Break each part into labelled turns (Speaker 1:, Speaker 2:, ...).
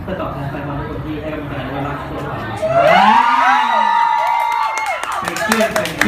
Speaker 1: เพื่อตอบแทนแฟนบอลทุกคนที่ให้กำลังใจและรักพวกเรา
Speaker 2: เป็นชื่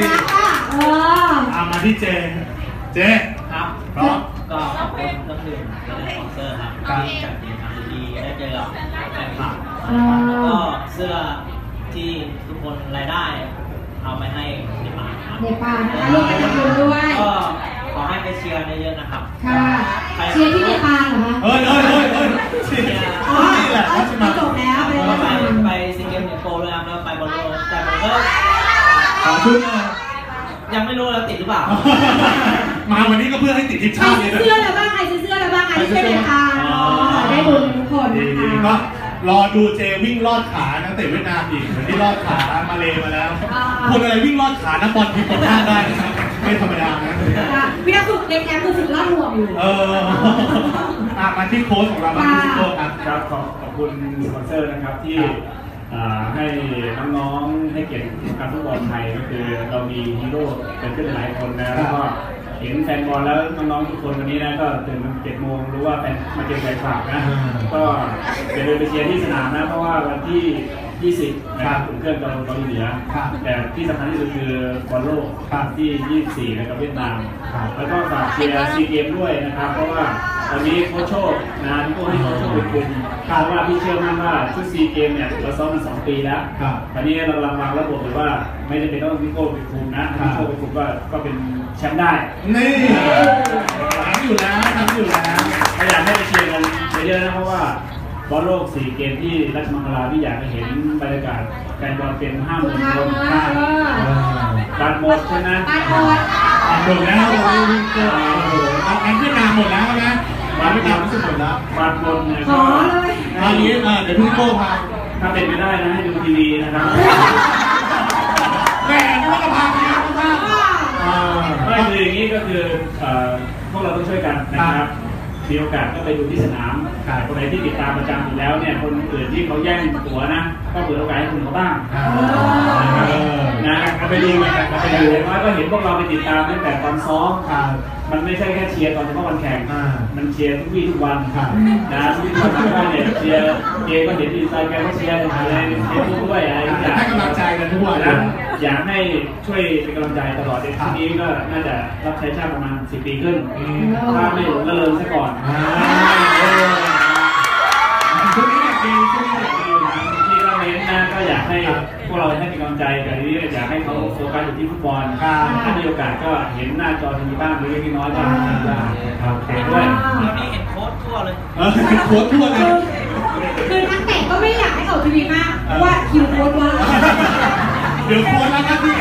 Speaker 2: อมาที่เจ
Speaker 1: ครับก็ขอบคุณเครื่องดื่มและสปอนเซอร์ครับที่จัดกิจกรรมดีๆได้เจอกับแฟนคลับแล้วก็เสื้อที่ทุกคนรายได้เอาไปให้เด็กป่าครับ
Speaker 3: เด็กป่านะคะร่วมกันทำบุญด้วย
Speaker 1: ก็ขอให้ไปเชียร์เยอะๆนะครับ
Speaker 3: ค่ะเชียร์ที่เด็กป่าเหรอคะ
Speaker 2: เชียร์นี่แหละ
Speaker 3: จบแล้ว
Speaker 1: ไปซีเกมส์โกลเลยครับแล้วไปบอลโลกแต่ผมก็
Speaker 2: ของชุด
Speaker 1: ยังไม่รู้แล้วติดหรือเปล่า
Speaker 2: มาวันนี้ก็เพื่อให้ติดทีมชาติ
Speaker 3: เลยนะใครซื้อเสื้อแล้วบ้างใครซื้อเสื้อแล้วบ้างใครซื้อเด็กป่าได้บุญทุกคนนะคะ
Speaker 2: รอดูเจวิ่งลอดขานักเตะเวียดนามอีกเหมือนที่ลอดขามาเลมาแล้วคนอะไรวิ่งลอดขานักบอลทีมคนหน้าได้นะครับไม่ธรรมดานะ
Speaker 3: วินาทีเล็กแอมคือฝึกลอดห่วงอยู่
Speaker 2: มาที่โค้ชของเราบ้างที่โค้ช
Speaker 4: ครับขอบคุณสปอนเซอร์นะครับที่ให้น้องๆให้เกียรติการฟุตบอลไทยก็คือเรามีฮีโร่เป็นขึ้นหลายคนนะแล้วก็เห็นแฟนบอลแล้วน้องๆทุกคนวันนี้นะก็ตื่นมา7 โมงรู้ว่าแฟนมาเจอแฟนคลับนะก็จะเดินไปเชียร์ที่สนามนะเพราะว่าวันที่20นะครับอุ่นเครื่องกับเกาหลีเหนือแต่ที่สำคัญที่สุดคือบอลโลกที่24นะครับเวียดนามแล้วก็ฝากเชียร์ซีเกมด้วยนะครับเพราะว่าตอนนี้โค้ชโชคนะที่โค้ชให้โค้ชโชคเป็นคุมเพราะว่าพี่เชื่อมั่นว่าชุดซีเกมเนี่ยเราซ้อมมา2 ปีแล้วตอนนี้เรากำลังวางระบบเลยว่าไม่จำเป็นต้องพี่โค้ชเป็นคุมนะพี่โค้ชเป็นคุมก็เป็นแชมป์ได้
Speaker 2: นี่ทำอยู่แล้ว
Speaker 4: ไม่อยากให้ไปเชียร์กันเยอะๆนะเพราะว่าบอลโลก4 เกมที่ราชมังคลาที่อยากให้เห็นบรรยากาศแฟนบอลเป็น50,000 คนบัตรหมดใช่ไหม
Speaker 2: หมดแล้วเอาแอนเวียดนามหมดแล้วนะเวียดนามรู้สึกหมดแล้ว
Speaker 4: บัตรหมดเนี่ย
Speaker 3: ก็
Speaker 2: ตอนนี้เดี๋ยวพี่โก้พา
Speaker 4: ถ้าเป็นไม่ได้นะให้ดูทีวีนะครับ
Speaker 2: แม่ไม่ว่าจะพาไป
Speaker 4: ไม่คืออย่างนี้ก็คือพวกเราต้องช่วยกันนะครับมีโอกาสก็ไปดูที่สนามคนไหนที่ติดตามประจำอยู่แล้วเนี่ยคนอื่นที่เขาแย่งตั๋วนะก็เปิดโอกาสให้คุณเขาบ้างนะไปดูกันไปดูว่าก็เห็นพวกเราไปติดตามตั้งแต่ตอนซ้อมมันไม่ใช่แค่เชียร์ตอนเฉพาะวันแข่งมันเชียร์ทุกวี่ทุกวันนะทุกวี่ทุกวันเนี่ยเชียร์เกมก็เห็นดีไซน์กันก็เชียร์อะไรเชียร์ด้วยอะไรอย่าง
Speaker 2: ให้กำลังใจกันทุกวัน
Speaker 4: นะอยากให้ช่วยเป็นกำลังใจตลอดทีนี้ก็น่าจะรับใช้ชาติประมาณ10 ปีขึ้นถ้าไม่หลงละเลงซะก่อน
Speaker 2: ช่วงนี้อยากดี
Speaker 4: ที่เราเน้นนะก็อยากให้พวกเราให้มีกำลังใจแต่ทีนี้อยากให้เขาโฟกัสอยู่ที่ฟุตบอลถ้ามีโอกาสก็เห็นหน้าจอทีวีบ้างเล็กๆน้อยๆก็ครับเห็นด้วย
Speaker 1: วันนี้เห็นโค้ชทั่วเลย
Speaker 2: โค้ชทั่วเลย
Speaker 3: คือนักเตะก็ไม่อยากให้ออกทีวีมากเพราะว่าคิวโค้ชว่า
Speaker 2: เดี๋ยวโค้ชแล้วก็ที่